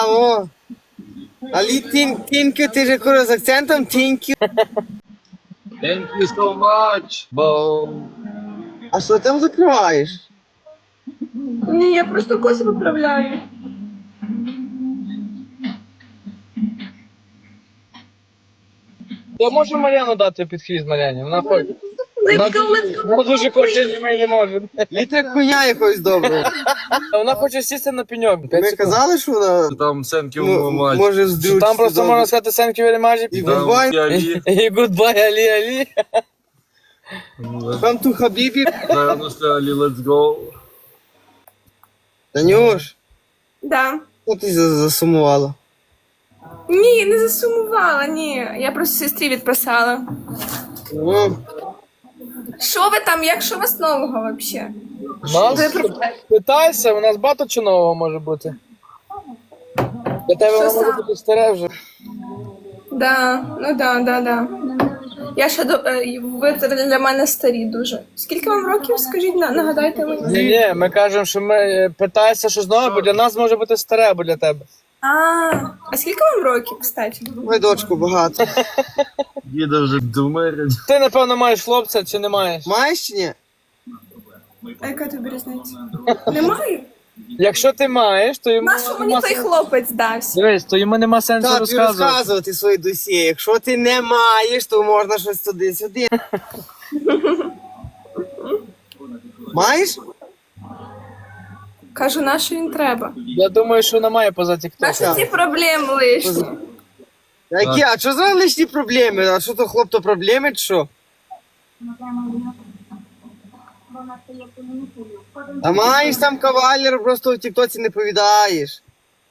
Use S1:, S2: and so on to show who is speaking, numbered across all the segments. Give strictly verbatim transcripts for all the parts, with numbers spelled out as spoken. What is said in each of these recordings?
S1: О, але тінкю, ти же кура з акцентом, тінкю.
S2: Thank you so much, бо...
S1: А що там закриваєш?
S3: Ні, я просто коси виправляю.
S4: Я можу Мар'яну дати під хвіст Мар'яні, вона хоче.
S3: Let's go, let's go.
S4: Вона дуже хоче, ми не можемо.
S1: Літра коня якогось доброго.
S4: Вона хоче сісти на пеньок.
S1: Ми казали, що вона
S2: Там thank you
S1: ну,
S2: so much.
S1: може
S4: Що
S1: здрючити.
S4: там просто можна сказати thank you very much
S1: І
S4: і
S2: Там
S1: goodbye.
S2: Алі.
S4: і goodbye, Алі, Алі.
S1: Там ту хабібі.
S2: Зараз Алі, let's go.
S1: Танюш,
S3: Да.
S1: що ти за- засумувала?
S3: Ні, не засумувала, ні. Я просто сестрі відписала.
S1: Ну,
S3: Що ви там, як що у вас нового взагалі?
S4: Нас
S3: Ви про-
S4: питайся, у нас багато чи нового може бути. Для тебе
S3: Що
S4: воно може
S3: саме?
S4: бути старе вже.
S3: Да, ну да, да, да. Я ще до е, ви для мене старі дуже. Скільки вам років? Скажіть, на- нагадайте мені.
S4: Ні, ні, ми кажемо, що ми е, питайся щось нове, бо для нас може бути старе, або для тебе.
S3: А, а скільки вам років, кстати?
S1: ой, дочку, багато.
S2: Діда вже думає.
S4: Ти, напевно, маєш хлопця чи не маєш?
S1: Маєш чи ні?
S3: А яка тобі різниця? Немає?
S4: Якщо ти маєш, то йому
S3: Нащо мені
S4: нема
S3: той
S4: сенсу.
S3: хлопець дався?
S4: Дивись, то йому нема сенсу
S1: Так, тобі
S4: розказувати.
S1: розказувати свої досі. Якщо ти не маєш, то можна щось туди-сюди. Маєш?
S3: Кажу, на що він треба?
S4: Я думаю, що вона має поза
S3: На
S4: тікток.
S3: що ці проблеми лишні?
S1: Які? А що за лишні проблеми? А що то хлоп, то проблеми, чи що? А маєш там кавалер, просто в тіктоці не повідаєш.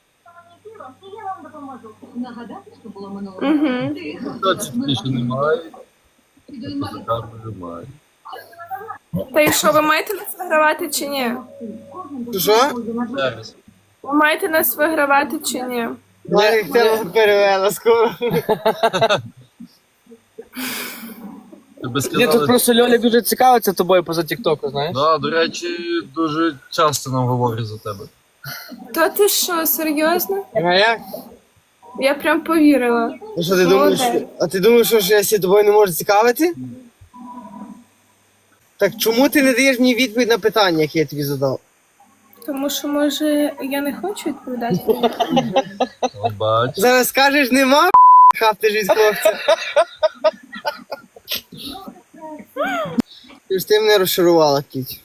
S3: Угу.
S2: Точно ще немає. Там немає.
S3: Та і що, ви маєте нас вигравати чи ні?
S1: Що?
S2: Зараз.
S3: Ви маєте нас вигравати чи ні?
S1: Я їх тебе перевела скоро.
S2: Тебе
S4: Ні, тут
S2: сказали.
S4: просто Льолі дуже цікавиться тобою поза тіктоку, знаєш?
S2: Да, до речі, дуже часто нам говорять за тебе.
S3: То ти що, серйозно?
S1: А як?
S3: Я прям повірила.
S1: А що ти думаєш?
S3: Молодець.
S1: А ти думаєш, що ж я сі тобою не можу цікавити? Так чому ти не даєш мені відповідь на питання, яке я тобі задав?
S3: Тому що, може, я не хочу відповідати.
S2: О, бач.
S1: Зараз скажеш, нема хапти ж від хлопця. Ти ж ти мене розчарувала, кіть.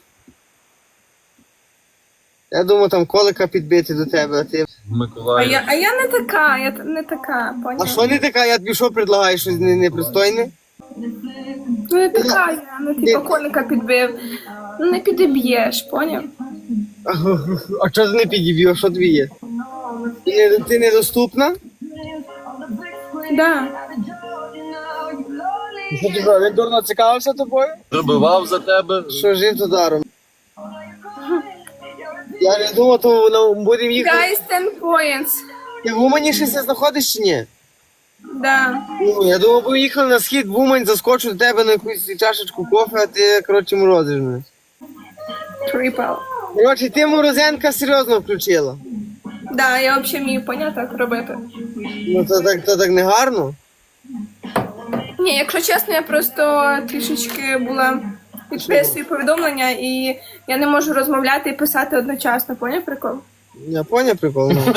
S1: Я думав, там колика підбити до тебе, а ти.
S3: А
S2: Миколаїв.
S3: я, а я не така, я т- не така,
S1: А
S3: поняла?
S1: що не така? Я тобі що предлагаю, щось не- непристойне?
S3: Ну не така я, ну типу коника підбив. Ну не підіб'єш, поняв?
S1: А що ти не підіб'єш, що тобі є? Ти, не, ти недоступна?
S3: Да.
S4: Що ти що, він дурно цікавився тобою?
S2: Пробивав за тебе.
S1: Що жив то даром? Я не думав, то воно будемо їхати.
S3: Guys, ten points.
S1: Ти в Умані ще се знаходиш чи ні?
S3: Да.
S1: Ну, я думав, бо їхали на схід в Умань, заскочу до тебе на якусь чашечку кофе, а ти, коротше, морозиш мене.
S3: Triple.
S1: Коротше, ти морозенка серйозно включила.
S3: Да, я взагалі вмію поняти, як робити.
S1: Ну, то так, то так не гарно.
S3: Ні, якщо чесно, я просто трішечки була підписую повідомлення і я не можу розмовляти і писати одночасно, поняв прикол?
S1: Я поняв прикол, ну.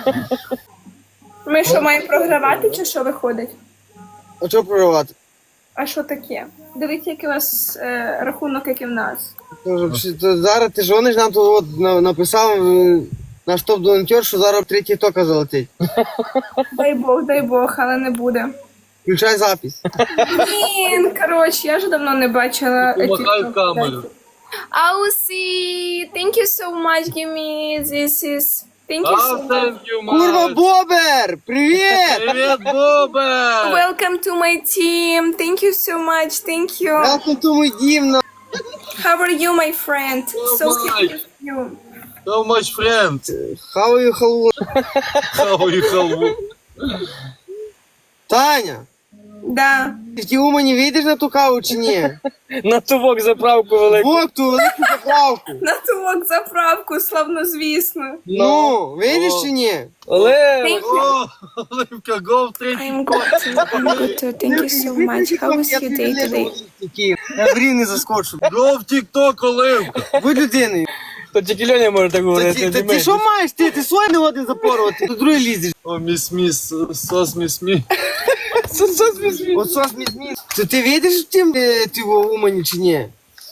S3: Ми що, маємо програвати чи що виходить?
S1: А що проривати?
S3: А що таке? Дивіться, який у вас е, рахунок, як і в нас.
S1: То, ж- то зараз ти дзвониш, нам тут от на- написав е, наш топ-волонтер, що зараз третій тока залетить.
S3: Дай Бог, дай Бог, але не буде.
S1: Включай запись.
S3: Блін, коротше, я вже давно не бачила.
S2: Помахай
S3: TikTok.
S2: в камеру.
S3: Ауси, thank you so much, give me this is... Thank you so
S2: А,
S3: much.
S2: thank you,
S1: Курва,
S2: much.
S1: Бобер! Привіт!
S2: Привіт, Бобе!
S3: Welcome to my team. Thank you so much. Thank you.
S1: Welcome to my дім, на.
S3: How are you, my friend? So
S2: Bye.
S3: happy with you.
S2: So much friend.
S1: Хаваю халву.
S2: Хаваю халву.
S1: Таня,
S3: Да.
S1: Ти в тій Умані вийдеш на ту каву чи ні?
S4: На тувок заправку велику.
S1: Вок, ту велику заправку.
S3: На тувок заправку, славнозвісно.
S1: Ну, вийдеш чи ні?
S4: Але
S3: Thank you.
S2: О, Оливка, go в третій.
S3: I'm good. I'm good too. Thank you so much. How was your day today?
S1: Я в рівні заскочу.
S2: Go в тік-ток, Оливка.
S1: Будь людиною.
S4: то тільки Льоня може так
S1: Та
S4: говорити.
S1: ти,
S4: не
S1: та ти
S4: ми.
S1: що маєш? Ти, ти свої не годин запорувати, ти другий лізеш.
S2: О, міс міс, сос міс міс.
S1: От сос мізмі. То ти вийдеш в тім, де ти в Умані чи ні?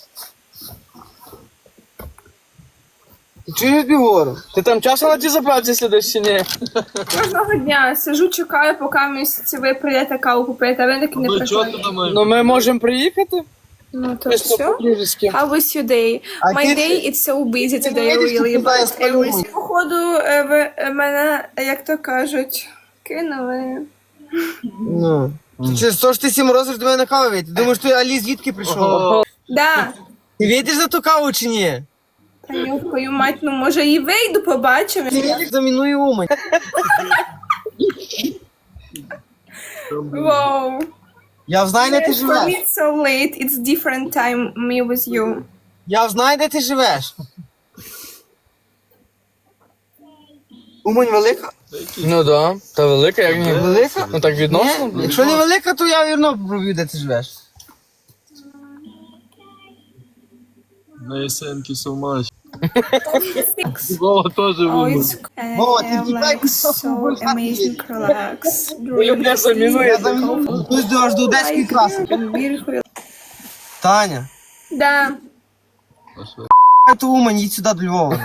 S1: Ти чуєш, я тобі говорю?
S4: Ти там часом на ті заправці сидиш чи ні?
S3: Кожного дня сиджу, чекаю, поки місяці ви прийдете каву купити, а ви таки не
S2: Ну чого
S3: приходите.
S2: ти думаєш?
S4: Ну ми можемо приїхати.
S3: Ну то
S4: Чисто
S3: все.
S4: по-дружески.
S3: How was your day?
S1: А
S3: My
S1: ти-
S3: day is so busy
S1: ти
S3: today,
S1: знаєш,
S3: really,
S1: що
S3: but
S1: туди
S3: I was...
S1: спалюють?
S3: Походу, е, ви е, мене, як то кажуть, кинули.
S1: Ну. Ти через то, що ти сім розиш до мене на каву вийти. Думаєш, ти Алі звідки прийшов?
S2: Ого.
S3: Да.
S1: Ти вийдеш за ту каву чи ні?
S3: Та йовкою мать, ну може і вийду, побачимо.
S1: Ти вийдеш замінує Умань.
S3: Вау.
S1: Я знаю, де ти
S3: For me
S1: живеш.
S3: it's so late, it's different time me with you.
S1: Я знаю, де ти живеш. Умань велика?
S4: Ну да, та велика, як ні.
S1: Велика?
S4: Ну так відносно.
S1: Ні? Якщо не велика, то я вірно проб'ю, де ти живеш.
S2: Nice, thank you so much.
S3: Six.
S2: Вова теж
S3: Oh,
S2: вимер.
S3: it's uh,
S1: Вова, ти
S3: like
S1: тікай,
S3: so amazing, relax.
S4: Любля замінує.
S1: Я заміную. Тут до аж до одеської траси.
S3: Beautiful.
S1: Таня,
S3: Да.
S1: ту Умань, їдь сюди до Львова.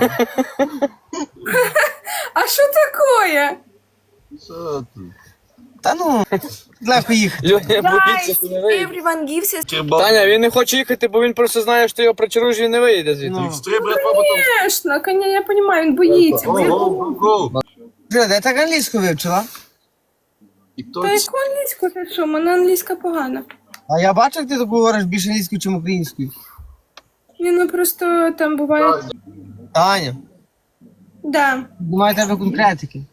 S3: А що такое?
S2: Що ти?
S1: Та ну, легко їхати.
S4: Льоня боїться,
S3: Guys,
S4: що не вийде.
S3: everyone gives us...
S2: Кебаб.
S4: Таня, він не хоче їхати, бо він просто знає, що ти його причаруєш і не вийде звідти.
S1: Ну.
S2: Стрій, брат, потом.
S3: Конечно, коня, я понимаю, він боїться.
S2: Go, go, go, go.
S1: Вже, де так англійську вивчила?
S2: І хто
S3: Та
S2: це?
S3: яку англійську ти що? Мене англійська погана.
S1: А я бачу, як ти так говориш більше англійською, ніж українською.
S3: Ні, ну просто там буває...
S1: Таня,
S3: Да.
S1: немає тебе конкретики.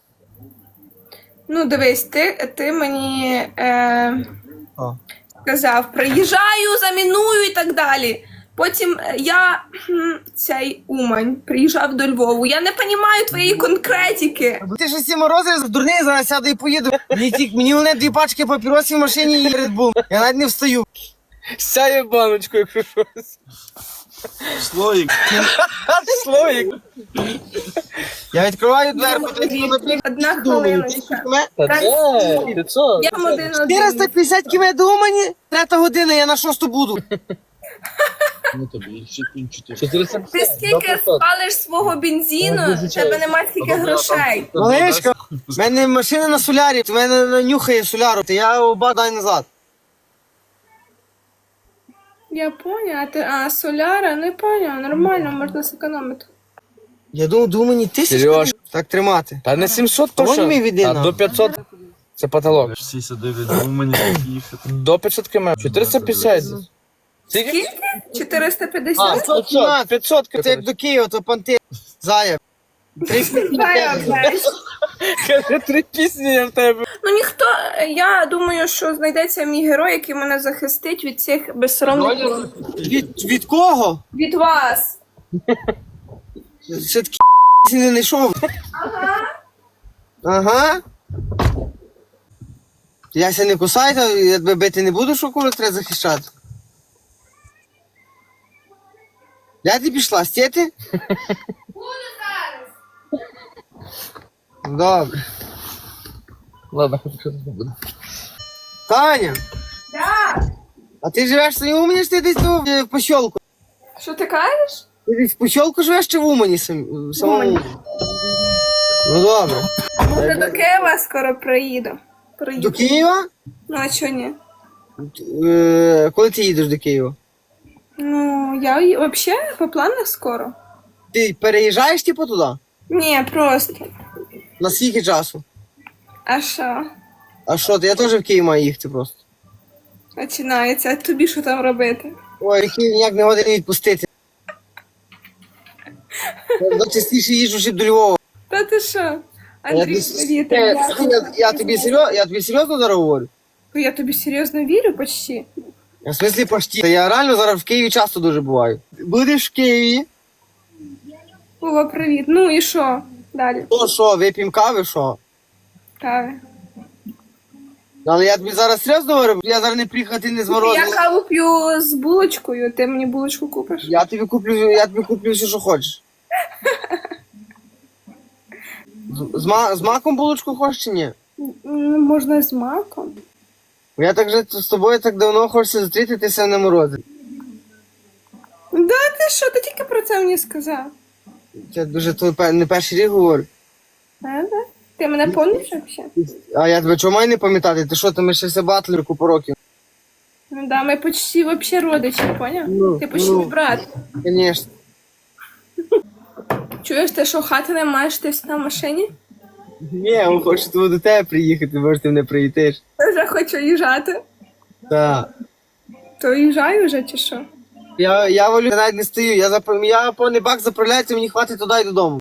S3: Ну, дивись, ти, ти мені е,
S1: О.
S3: сказав, приїжджаю, заміную і так далі. Потім е, я, хм, цей Умань, приїжджав до Львову. Я не розумію твоєї конкретики.
S1: Бо ти ж всі морози, дурний, зараз сяду і поїду. Мені, ті- мені вони дві пачки папіросів в машині і Red Bull. Я навіть не встаю.
S4: Сяє баночку, якщо щось.
S2: Слоїк.
S4: Слоїк.
S1: Я відкриваю дверку, ти
S3: Одна хвилиночка.
S4: Та де? Ти що?
S3: Я вам один один.
S1: чотириста п'ятдесят км до Умані, третя година, я на шосту буду.
S2: Ну тобі, ще кінчити.
S4: чотириста
S3: Ти
S4: п'ятдесят.
S3: скільки спалиш свого бензину, в тебе немає скільки грошей.
S1: Малишка, в мене машина на солярі, в мене нюхає соляру, то я оба дай назад.
S3: Я поняла, а ти, а соляра, не поняла, нормально, можна зекономити.
S1: Я думав, до Умані тисяч.
S4: Серьож.
S1: Так тримати.
S4: Та не сімсот, то
S1: Вон
S4: що?
S1: мій віди,
S4: А
S1: на.
S4: до п'ятсот. Це потолок.
S2: Всі сидять, у мені їхати.
S4: До п'ятсот км. чотириста п'ятдесят. Скільки?
S3: Скільки? чотириста
S1: А,
S3: п'ятдесят?
S1: п'ятсот,
S4: п'ятсот.
S1: Це як до Києва, то панти. Зая.
S3: Знаю, знаєш.
S4: Каже, три пісні я в тебе.
S3: Ну ніхто, я думаю, що знайдеться мій герой, який мене захистить від цих безсоромних
S1: Від, від кого?
S3: від вас.
S1: Ще такі не знайшов.
S3: Ага.
S1: Ага. Я ся не кусаю, то я тебе бити не буду, що коли треба захищати. Я ти пішла, стєти? Добре.
S4: Ладно, хоч щось не буде.
S1: Таня,
S3: Да.
S1: а ти живеш в своїй Умані, чи ти десь тут, е, в посілку?
S3: Що ти кажеш?
S1: Ти десь в посілку живеш чи в Умані сам, в самому?
S3: Умані.
S1: Ну добре.
S3: Може до Києва скоро приїду.
S1: До
S3: Приїду.
S1: Києва?
S3: Ну а чого ні?
S1: Е, коли ти їдеш до Києва?
S3: Ну, я й- взагалі по планах скоро.
S1: Ти переїжджаєш типу туди?
S3: Ні, просто.
S1: На скільки часу?
S3: А що?
S1: А що, ти? Я теж в Київ маю їхати просто.
S3: Починається, а тобі що там робити?
S1: Ой, Київ ніяк не годин відпустити. Я частіше їжджу ще до Львова.
S3: Та ти що?
S1: Я,
S3: Андрій,
S1: десь-
S3: привіт.
S1: Е,
S3: я-
S1: я, я, тобі серйозно, я тобі серйозно зараз говорю?
S3: Я тобі серйозно вірю почти.
S1: В смислі почти. Та я реально зараз в Києві часто дуже буваю. Будеш в Києві?
S3: Вова, привіт. Ну і що? Далі.
S1: То що, вип'ємо кави, що?
S3: Кави.
S1: Але я тобі зараз серйозно говорю, я зараз не приїхати не з
S3: Я
S1: морозом.
S3: каву п'ю з булочкою, ти мені булочку купиш?
S1: Я тобі куплю, я тобі куплю все, що хочеш. З, з, ма- з маком булочку хочеш чи ні?
S3: М, Можна з маком.
S1: Бо я так же з тобою так давно хочеться зустрітися на морозі.
S3: Да ти що, ти тільки про це мені сказав.
S1: Я дуже то пе- не перший рік говорю.
S3: Правда? Ти мене пам'ятаєш взагалі?
S1: А я тебе чого маю не пам'ятати? Ти що, ти ми ще все батли купу років?
S3: Ну да, ми почти вообще родичі, поняв?
S1: Ну,
S3: Ти почти
S1: ну.
S3: мій брат.
S1: Звісно.
S3: Чуєш, ти що, хати не маєш, ти на машині?
S1: Ні, він хоче тебе до тебе приїхати, може ти не приїдеш.
S3: Я вже хочу їжджати.
S1: Так.
S3: То їжджаю вже чи що?
S1: Я, я волю, я навіть не стою, я, зап... я повний бак заправляється, мені хватить туди і додому.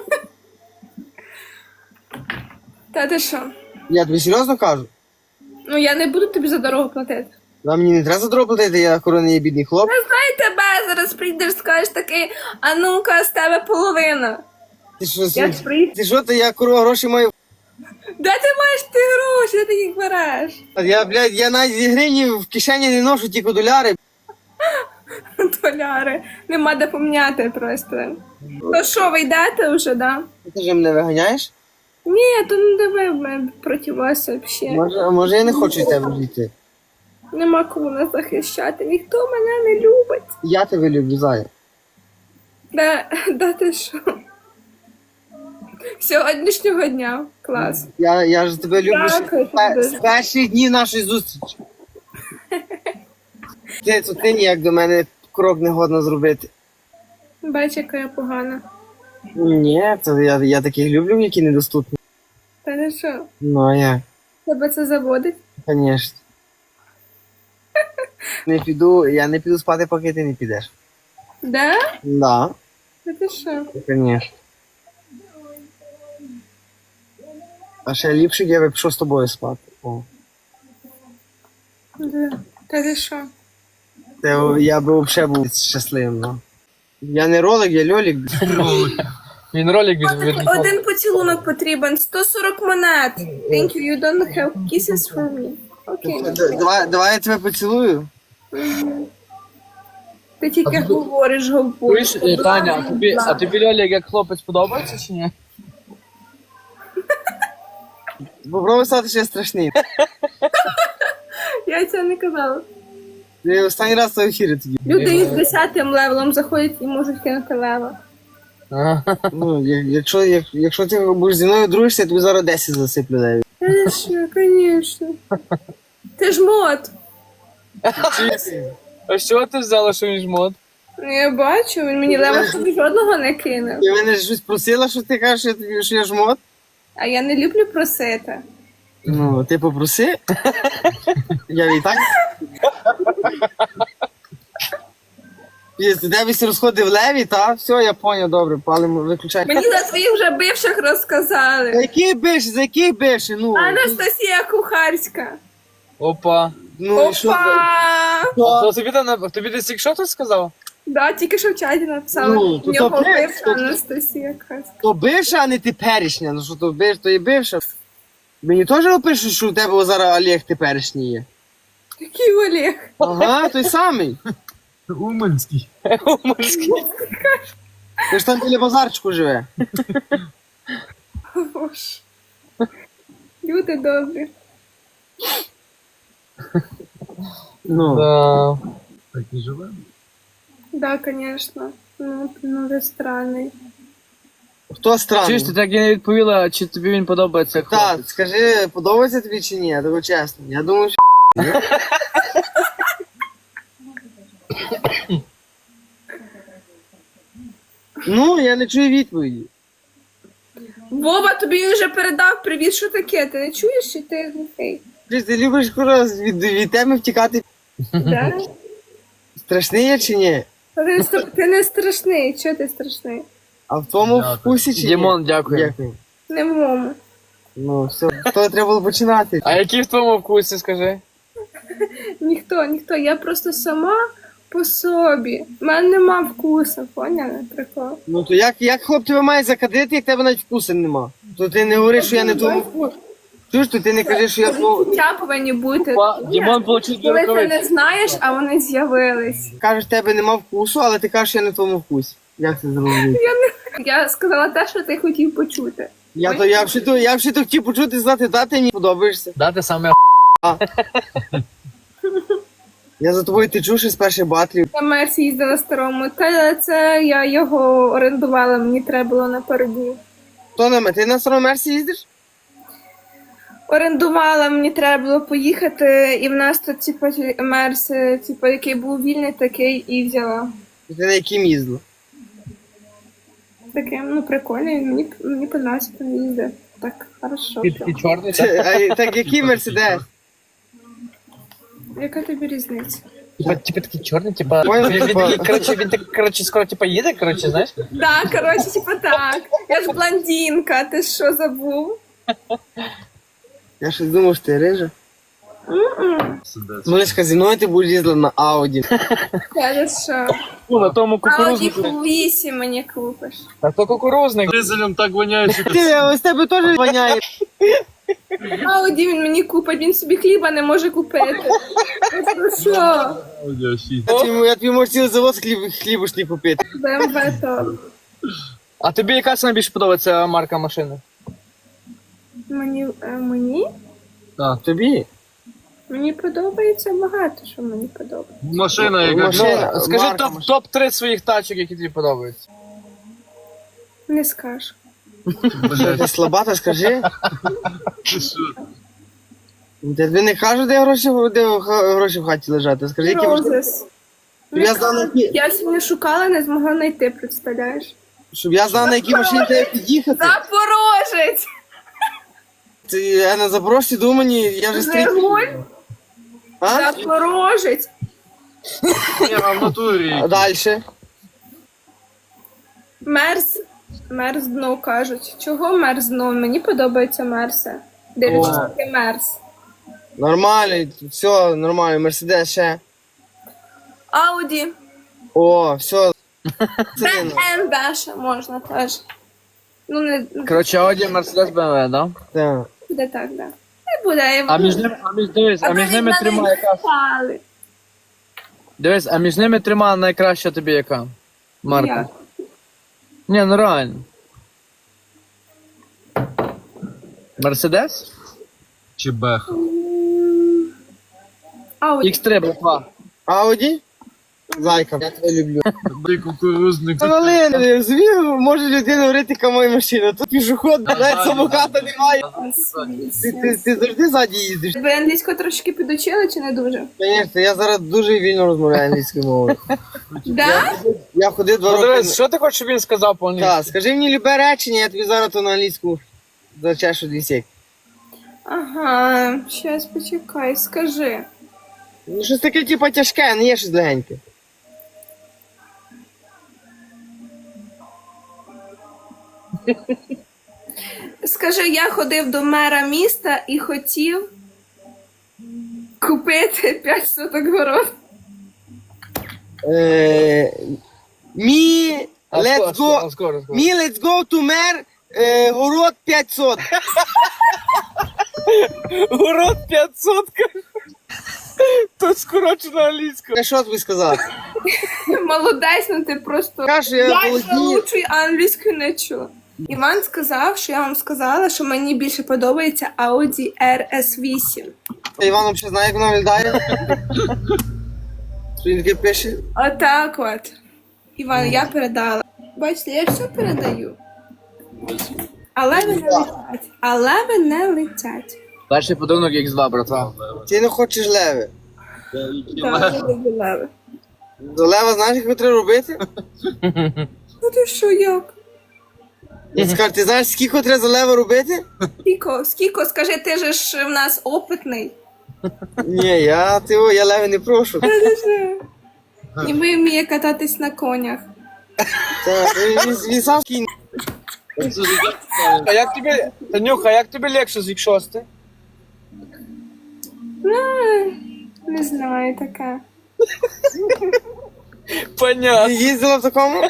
S3: Та ти що?
S1: Я тобі серйозно кажу?
S3: Ну я не буду тобі за дорогу платити.
S1: А мені не треба за дорогу платити, я корони є бідний хлоп.
S3: Я знаю тебе, зараз прийдеш, скажеш такий, а ну-ка, з тебе половина.
S1: Ти що,
S3: Я ж прийду.
S1: ти що, ти я корова гроші маю?
S3: Де ти маєш ти гроші, де ти їх береш?
S1: А я, блядь, я навіть зі гривні в кишені не ношу, тільки доляри.
S3: Доляри. Нема де поміняти просто. То що, ви йдете вже, да?
S1: Ти ж мене виганяєш?
S3: Ні, то не диви мене проти вас взагалі.
S1: Може, а може я не хочу від тебе жити?
S3: Нема кому нас захищати, ніхто мене не любить.
S1: Я тебе люблю, Зая.
S3: Да, да ти що? Сьогоднішнього дня. Клас.
S1: Я, я ж тебе люблю ще
S3: Дякую
S1: з пе-
S3: тобі.
S1: з перших днів нашої зустрічі. Ти, то ти ніяк до мене крок не годно зробити.
S3: Бач, яка я погана.
S1: Ні, то я, я таких люблю, які недоступні.
S3: Та ти що?
S1: Ну, а як?
S3: Тебе це заводить?
S1: Звісно. Не піду, я не піду спати, поки ти не підеш.
S3: Да?
S1: Да,
S3: Та ти що?
S1: звісно. А ще ліпше я би пішов з тобою спати. О.
S3: Да. Та ти що?
S1: Це я би взагалі був щасливим. Ну. Я не ролик, я льолік.
S4: Він ролик від, від...
S3: Один поцілунок потрібен, сто сорок монет. Thank you, you don't have kisses for me. Окей.
S1: Д- Давай, давай я тебе поцілую.
S3: Ти тільки говориш, говориш.
S4: Чуєш, е, Таня, а тобі, а тобі Льолік як хлопець подобається чи ні?
S1: Попробуй стати ще страшний.
S3: Я цього не казала.
S1: Я останній раз в ефірі тоді.
S3: Люди із десятим левелом заходять і можуть кинути лева.
S4: Ага.
S1: Ну, я- якщо, як, якщо ти будеш зі мною дружишся, я тобі зараз десять засиплю. навіть.
S3: Та ти що, звісно. Ти ж мод.
S4: А що ти взяла, що він жмот?
S3: Ну, я бачу, він мені лева собі жодного не кинув.
S1: Ти мене щось просила, що ти кажеш, що я, тобі- що я жмот?
S3: А я не люблю просити.
S1: Ну, ти попроси. Я і так. Ти тебе всі розходи в леві, та? Все, я поняв, добре, палимо, виключай.
S3: Мені за своїх вже бивших
S1: За
S3: розказали.
S1: який бивший, за який бивший? Ну,
S3: Анастасія Кухарська.
S4: Опа.
S1: ну і що? за-
S3: Опа!
S4: А то тобі, там, тобі десь якщо хтось сказав?
S3: Да, тільки що в чаті написали.
S1: Ну, то
S3: В нього
S1: то бив,
S3: бивша
S1: то-
S3: Анастасія Кухарська.
S1: То бивша, а не теперішня. Ну що то бив, то і бивша. Мені теж опишуть, що у тебе зараз Олег теперішній є.
S3: Який Олег?
S1: Ага, той самий.
S2: Уманський.
S4: Уманський.
S1: Ти ж там біля базарчику живе.
S3: Боже. Люди добрі.
S1: Ну.
S4: Да.
S2: Так і живе.
S3: Да, конечно. Ну, ну ви странний.
S1: Хто странний?
S4: Чуєш, ти так і не відповіла, чи тобі він подобається як
S1: Так,
S4: хлопець?
S1: скажи, подобається тобі чи ні? Того чесно. Я думаю, що. Ну, я не чую відповіді.
S3: Вова, тобі вже передав привіт, що таке? Ти не чуєш, чи ти глухий?
S1: Ти, ти любиш кура від, від теми втікати.
S3: Да?
S1: Страшний я чи ні?
S3: Ти не, стра- ти не страшний, чого ти страшний?
S1: А в твоєму
S2: Дякую.
S1: вкусі чи ні?
S4: Дімон, дякую.
S1: Дякую.
S3: Не в моєму.
S1: Ну, все, то треба було починати.
S4: А які в твоєму вкусі, скажи?
S3: Ніхто, ніхто, я просто сама по собі. У мене нема вкусу, поняли? Прикол.
S1: Ну то як, як хлоп тебе має закадити, як тебе навіть вкусу нема? То ти не говориш, що я не тому вкусу. Чуєш, то ти не кажеш, що я твого...
S3: Почуття повинні бути.
S4: Па, Дімон получив дві
S3: Коли ти
S4: рукавиці.
S3: не знаєш, а вони з'явились.
S1: Кажеш, тебе нема вкусу, але ти кажеш, що я не в твоєму вкусі. Як це зрозуміти?
S3: Я сказала те, що ти хотів почути.
S1: Я то я вже то я вже то хотів почути знати, та ти мені подобаєшся.
S4: Да, ти саме
S1: Я за тобою течу ще з перших батлів.
S3: Я Мерсі їздила старому, та це я його орендувала, мені треба було на пару днів.
S1: Хто на мене? Ти на старому мерсі їздиш?
S3: Орендувала, мені треба було поїхати, і в нас тут, типу, мерс, типу, який був вільний, такий і взяла.
S1: Ти на яким їздила?
S3: Таким, ну, прикольний, мені, мені подобається поїздити. Так, хорошо.
S4: Ти такий чорний, так?
S1: Ти- а, Так який мерседес?
S3: Яка тобі різниця?
S4: Типа, типа такий чорний, типа.
S1: Понял,
S4: Він, він,
S1: типа-
S4: такий, коротше, він так, коротше, скоро типа їде, коротше, знаєш?
S3: Да, коротше, типу так. Я ж блондинка, ти що забув?
S1: Я щось думав, що ти рижа.
S3: М-м.
S2: Сидець.
S1: Малишка, зі мною ти будеш їздила на Ауді.
S3: Я за що?
S4: Ну, на тому
S3: Ауді
S4: кукурузнику.
S3: вісім мені купиш.
S4: Та то кукурузник.
S2: Дизелем так воняє, що
S1: Ти, ось тебе теж воняє.
S3: Ауді він мені купить, він собі хліба не може купити. Ну що?
S2: Аудіофіль.
S1: Я тобі, я тобі можу цілий завод хліб, хлібушні купити.
S3: БМВ то.
S4: А тобі яка саме більше подобається марка машини?
S3: Мені, е, мені?
S1: Тобі?
S3: Мені подобається багато, що мені подобається.
S2: Машина, яка
S1: Машина.
S4: Ну, скажи
S1: марка
S4: топ,
S1: машини.
S4: топ-три своїх тачок, які тобі подобаються.
S3: Не скажу.
S2: блядь,
S1: Ти слабата, скажи.
S2: ти що?
S1: Тобі не кажуть, де гроші, де х- гроші в хаті лежати. Скажи, які гроші.
S3: Розис.
S1: Щоб я знав, на які,
S3: Я сьогодні шукала, не змогла знайти, представляєш?
S1: щоб я знав, на якій машині треба під'їхати.
S3: Запорожець!
S1: Ти, я на Запорожці думані, я вже стрій.
S3: Жигуль!
S1: А?
S3: Запорожець!
S2: Ні, а в натурі.
S1: А дальше.
S3: Мерс. Мерс дно кажуть. Чого мерс дно? Мені подобається мерси. Дивлячись,
S1: О.
S3: який мерс.
S1: Нормально, все, нормально. Мерседес ще.
S3: Ауді.
S1: О, все. Це не-
S3: БМВ ще можна теж. Ну, не
S4: Коротше, Audi, Mercedes, бе ем ве, да?
S1: Так.
S3: буде так, да. Не буде.
S4: А між ними, а між, дивись, а між ними трьома яка?
S3: Пали.
S4: Дивись, а між ними трьома найкраща тобі яка? Марка.
S3: Як?
S4: Ні, ну реально. Мерседес?
S2: Чи бех?
S3: Ауді.
S4: ікс три, братва.
S1: Ауді? Зайка, я тебе люблю.
S2: Ти кукурузник.
S1: Та Валин, звів, може людина говорити, яка моя машина. Тут пішоход, навіть самоката немає. Ти, ти, ти завжди ззаді їздиш.
S3: Ви англійську трошки підучили чи не дуже?
S1: Звісно, я зараз дуже вільно розмовляю англійською мовою.
S3: Да?
S1: Я ходив два
S4: Ну
S1: роки.
S4: дивись, що ти хочеш, щоб він сказав по-англійськи?
S1: Так, скажи мені любе речення, я тобі зараз то на англійську зачешу дві сек.
S3: Ага, щас почекай, скажи.
S1: Ну щось таке, типу, тяжке, не є щось легеньке.
S3: Скажи, я ходив до мера міста і хотів купити п'ять соток город.
S1: Е, Мі,
S4: А
S1: let's
S4: скоро,
S1: go,
S4: скоро, скоро, скоро.
S1: мі, let's go to мер, е, город п'ятсот.
S4: Город п'ятсот. Тут скорочено англійською.
S1: Я що тобі сказав?
S3: Молодець, ну ти просто...
S1: Кажу, я
S3: Я
S1: володію.
S3: лучший англійською не чула. Іван сказав, що я вам сказала, що мені більше подобається Audi ар ес вісім.
S1: Іван взагалі знає, як вона виглядає? Що він таке пише?
S3: Отак от. Іван, я передала. Бачите, я все передаю. Але ви не летять. Але ви не летять.
S4: Перший подарунок ікс два, братва.
S1: Ти не хочеш леви.
S3: Так, я люблю леви.
S1: До лева знаєш, як його треба робити?
S3: Ну ти що, як?
S1: Я скажу, ти знаєш, скільки треба за лева робити?
S3: Скіко, скіко, скажи, ти же ж в нас опитний.
S1: Ні, я, ти, о, я леви не прошу.
S3: І ми вміє кататись на конях.
S1: Так, він, він сам кінь.
S2: Це життя цікаве.
S4: А як тобі, Танюха, як тобі легше з вік шости?
S3: Ну, не знаю, таке.
S4: Понятно.
S1: Ти їздила в такому?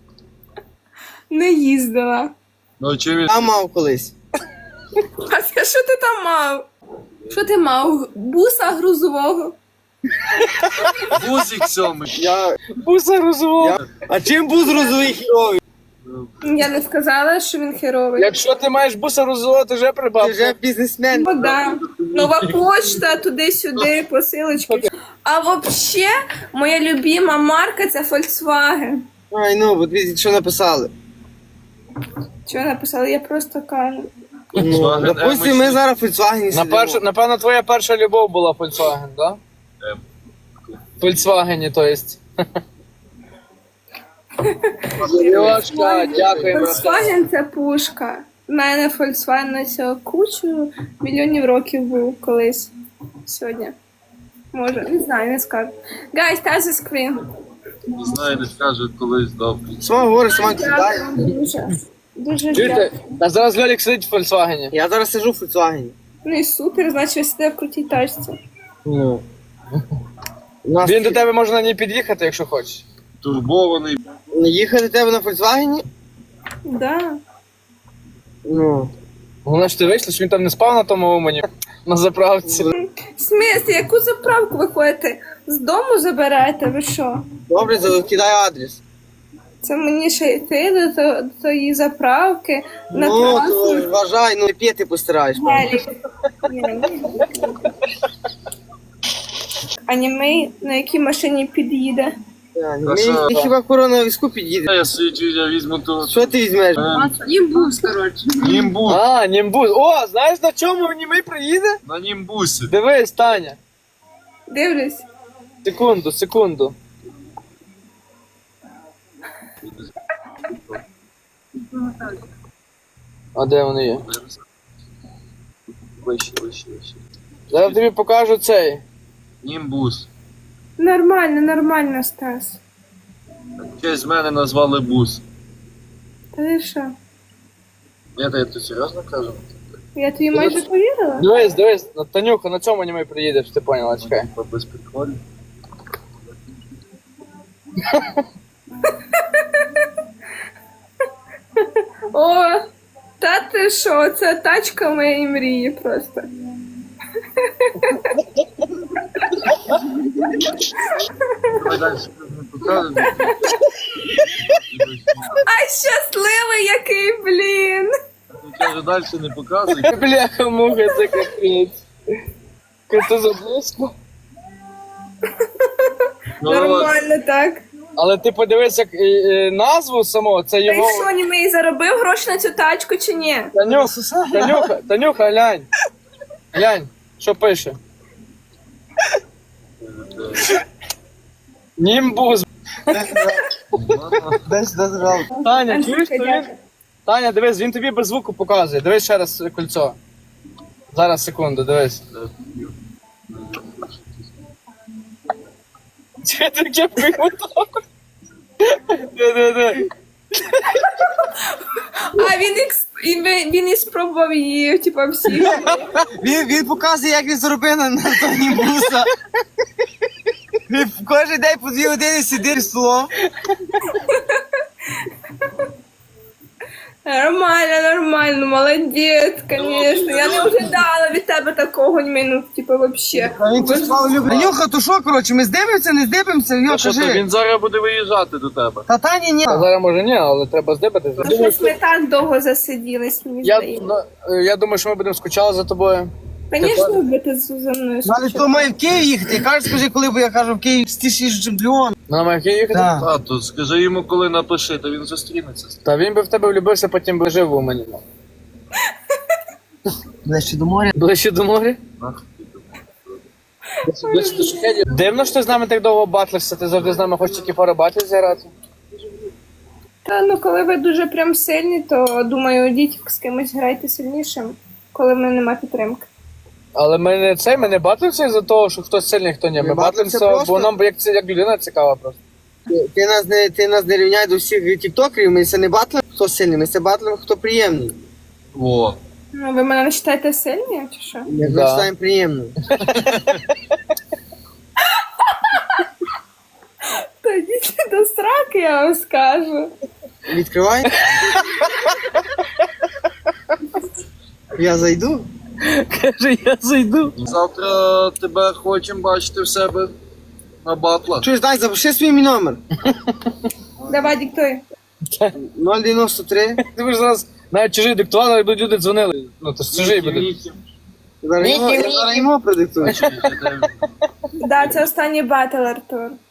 S3: Не їздила.
S2: Ну, чи він
S1: Я мав колись.
S3: А це що ти там мав? Що ти мав? Буса грузового?
S2: бузик сьомий?
S1: Я...
S4: Буса розумов.
S1: я... А чим був розовий хіровий?
S3: Я не сказала, що він херовий.
S4: Якщо ти маєш буса розумов, ти вже прибав.
S1: Ти вже бізнесмен.
S3: Ну, да. Нова почта, туди-сюди, посилочки. А вообще, моя любима марка це Volkswagen.
S1: Ай, ну, бо дивіться, що написали.
S3: Чого написали? Я просто кажу.
S1: Ну,
S2: Volkswagen
S1: допустим,
S2: М
S1: ми зараз в Volkswagen
S4: На
S1: сидимо.
S4: першу, напевно, твоя перша любов була Volkswagen, да?
S2: Ем.
S4: В Volkswagen, то есть. Сережка, дякуємо.
S3: Volkswagen це пушка. У мене Volkswagen на цього кучу мільйонів років був колись. Сьогодні. Може, не знаю, не скажу. Guys, touch the screen.
S2: Не знаю, не скаже колись добре.
S1: Сама говориш, сама кидає.
S3: Дякую дуже. Дуже
S4: Чуєте?
S3: дякую.
S4: А зараз Льолік сидить в Volkswagen.
S1: Я зараз сижу в Volkswagen.
S3: Ну і супер, значить ви сидите в крутій тачці.
S1: Ну. У нас
S4: Він до тебе може на ній під'їхати, якщо хочеш.
S2: Турбований.
S1: не їхати до тебе на Volkswagen?
S3: Да.
S1: Ну.
S4: Головне, що ти вийшла, що він там не спав на тому умані, на заправці.
S3: В смислі, яку заправку ви ходите? З дому заберете, ви що?
S1: Добре, закидай адрес.
S3: Це мені ще йти до, то- до тої заправки на
S1: Ну, то
S3: трасу.
S1: вважай, ну п'яти постираєш.
S3: Гелік. Ні, ні. А німей на якій машині під'їде?
S1: Ми
S2: що?
S1: хіба корона візку під'їде.
S2: Я свій я візьму ту.
S1: Що ти візьмеш?
S3: Німбус, коротше.
S2: Німбус.
S4: А, німбус. О, знаєш на чому німий приїде?
S2: На німбусі.
S4: Дивись, Таня.
S3: Дивлюсь.
S4: Секунду, секунду. А де вони є?
S2: Вище, вище, вище.
S4: Зараз тобі покажу цей.
S2: Німбус.
S3: Нормально, нормально, Стас.
S2: В честь мене назвали бус.
S3: Та ти що?
S2: Я тебе тут серйозно кажу?
S3: Я тобі майже повірила?
S4: Дивись, дивись, на- Танюха, на чому німий приїдеш, ти поняла, чекай.
S2: Типа без приколів.
S3: О, та ти що? Це тачка моєї мрії просто.
S2: Давай далі не покажемо.
S3: Ай, щасливий який, блін!
S2: Я кажу, далі не показуй.
S4: Бляха, муха, це капець. Крути заблизько.
S2: Ну, от.
S3: Нормально так.
S4: Але ти подивись, як е, е, назву самого, це
S3: Та й
S4: його.
S3: що, німей заробив гроші на цю тачку чи ні?
S4: Танюха, Танюха, Танюха, глянь. Глянь, що пише. Німбус.
S1: Дай сюди зажав.
S4: Таня, чуєш,
S3: Андрюха,
S4: то він...
S3: дякую.
S4: Таня, дивись, він тобі без звуку показує. Дивись ще раз кольцо. Зараз, секунду, дивись. Чи ти кепкою мотав? Де-де-де.
S3: А він ікс... і ви- він і спробував її, типа, всі.
S1: Він, він показує, як він заробив на, на тоні буса. Він кожен день по дві години сидить з столом.
S3: Нормально, нормально, молодець, конечно. Я не ожидала від тебе такого, німей, ну, типа, вообще.
S1: А він це слава любить. Нюха, то що, коротше, ми здивимося, не здивимося? Йо,
S2: А що ти,
S1: кажи.
S2: він зараз буде виїжджати до тебе.
S1: Та Тані ні.
S4: А зараз може ні, але треба здибатися.
S3: Ну, щось ми так довго засиділись, мені
S4: Я,
S3: здається.
S4: ну, е, я думаю, що ми будемо скучати за тобою.
S3: Звісно, будете за мною
S1: Ну, але то має в Київ їхати. Я кажу, скажи, коли, бо я кажу, в Київ стішіше, чим Львов.
S4: На Майки їхати?
S1: Так.
S2: А, то скажи йому, коли напиши, то він зустрінеться.
S4: Та він би в тебе влюбився, потім би жив у мені.
S1: Ближче до моря.
S4: Ближче до моря?
S2: Нахуй.
S4: Ближче до шахедів. Дивно, що ти з нами так довго батлишся, ти завжди з нами хочеш тільки пара батлів зіграти.
S3: Та ну коли ви дуже прям сильні, то думаю, йдіть з кимось грайте сильнішим, коли в мене нема підтримки.
S4: Але ми не цей, ми не батлимося за того, що хтось сильний, хто ні. Ми,
S1: Ми батлимося
S4: батлимося, бо
S1: просто.
S4: нам як, це- як людина цікава просто.
S1: Ти, ти, нас не, ти нас не рівняй до всіх тіктокерів, ми це не батлимо, хто сильний, ми це батлимо, хто приємний.
S2: Во.
S3: Ну, ви мене не вважаєте сильні, чи що?
S1: Ми
S4: Да.
S1: вважаємо приємним.
S3: Та йдіть до сраки, я вам скажу.
S1: Відкривай. Я зайду.
S4: Каже, я зайду.
S2: Завтра тебе хочемо бачити в себе на батлах.
S1: Чуєш, дай, запиши свій мій номер.
S3: Давай, диктуй.
S1: нуль дев'яносто три.
S4: Ти будеш зараз навіть чужий диктували, але будуть люди дзвонили. Ну, то ж чужий буде.
S1: Зараз йому- я зараз йому продиктую.
S3: Да, це останній батл, Артур.